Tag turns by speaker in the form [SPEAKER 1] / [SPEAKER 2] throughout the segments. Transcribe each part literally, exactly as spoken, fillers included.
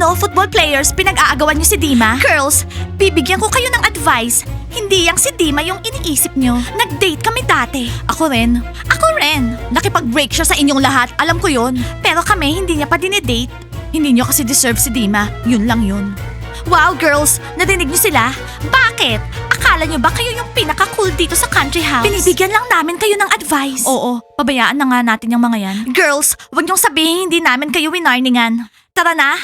[SPEAKER 1] Ano, football players, pinag-aagawan niyo si Dima? Girls, bibigyan ko kayo ng advice. Hindi yang si Dima yung iniisip niyo. Nag-date kami dati. Ako rin. Ako rin. Nakipag-break siya sa inyong lahat, alam ko yun. Pero kami, hindi niya pa dinidate. Hindi niyo kasi deserve si Dima. Yun lang yun. Wow, girls! Narinig niyo sila? Bakit? Akala niyo ba kayo yung pinaka-cool dito sa country house? Binibigyan lang namin kayo ng advice. Oo, pabayaan na nga natin yung mga yan. Girls, huwag niyong sabihin hindi namin kayo winarningan. Tara na!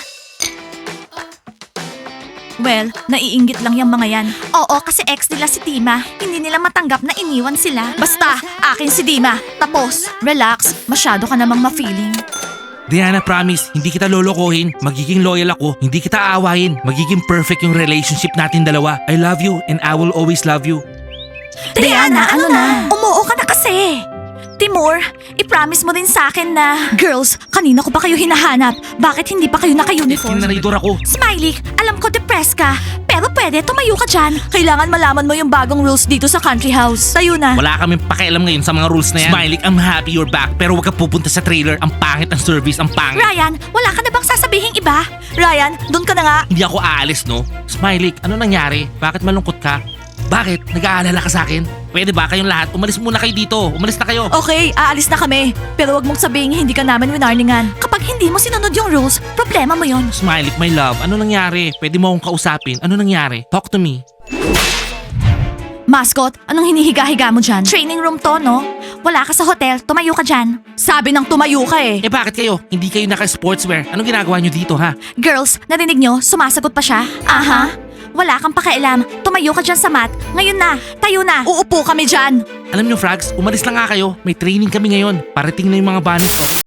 [SPEAKER 1] Well, naiinggit lang yung mga yan. Oo, kasi ex nila si Dima. Hindi nila matanggap na iniwan sila. Basta, akin si Dima. Tapos, relax. Masyado ka namang ma-feeling.
[SPEAKER 2] Diana, promise, hindi kita lolokohin. Magiging loyal ako. Hindi kita aawahin. Magiging perfect yung relationship natin dalawa. I love you and I will always love you.
[SPEAKER 1] Diana, ano na? Umuo ka na kasi. Timur, i-promise mo din sa akin na... Girls, kanina ko pa kayo hinahanap. Bakit hindi pa kayo naka-uniform?
[SPEAKER 2] Kinaraydor ako.
[SPEAKER 1] Smiley, alam ko depressed ka. Pero pwede, tumayo ka dyan. Kailangan malaman mo yung bagong rules dito sa country house. Tayo na.
[SPEAKER 2] Wala kaming pakialam ngayon sa mga rules na yan. Smiley, I'm happy you're back. Pero wag ka pupunta sa trailer. Ang pangit ang service, ang pangit.
[SPEAKER 1] Ryan, wala ka na bang sasabihing iba? Ryan, doon ka na nga.
[SPEAKER 2] Hindi ako aalis, no? Smiley, ano nangyari? Bakit malungkot ka? Bakit? Nag-aalala ka sa akin? Pwede ba kayong lahat? Umalis muna kayo dito. Umalis na kayo.
[SPEAKER 1] Okay, aalis na kami. Pero wag mong sabihin hindi ka namin winarningan. Kapag hindi mo sinunod yung rules, problema mo yon.
[SPEAKER 2] Smiley, my love, ano nangyari? Pwede mo akong kausapin. Ano nangyari? Talk to me.
[SPEAKER 1] Mascot, anong hinihiga-higa mo dyan? Training room to, no? Wala ka sa hotel, tumayo ka dyan. Sabi ng tumayo ka eh.
[SPEAKER 2] Eh bakit kayo? Hindi kayo naka-sportswear. Anong ginagawa nyo dito, ha?
[SPEAKER 1] Girls, narinig nyo? Sumasagot pa siya? Aha. Wala kang pakialam. Tumayo ka dyan sa mat. Ngayon na. Tayo na. Uupo kami dyan.
[SPEAKER 2] Alam nyo, Frags, umalis lang nga kayo. May training kami ngayon. Parating na yung mga bunnies ko.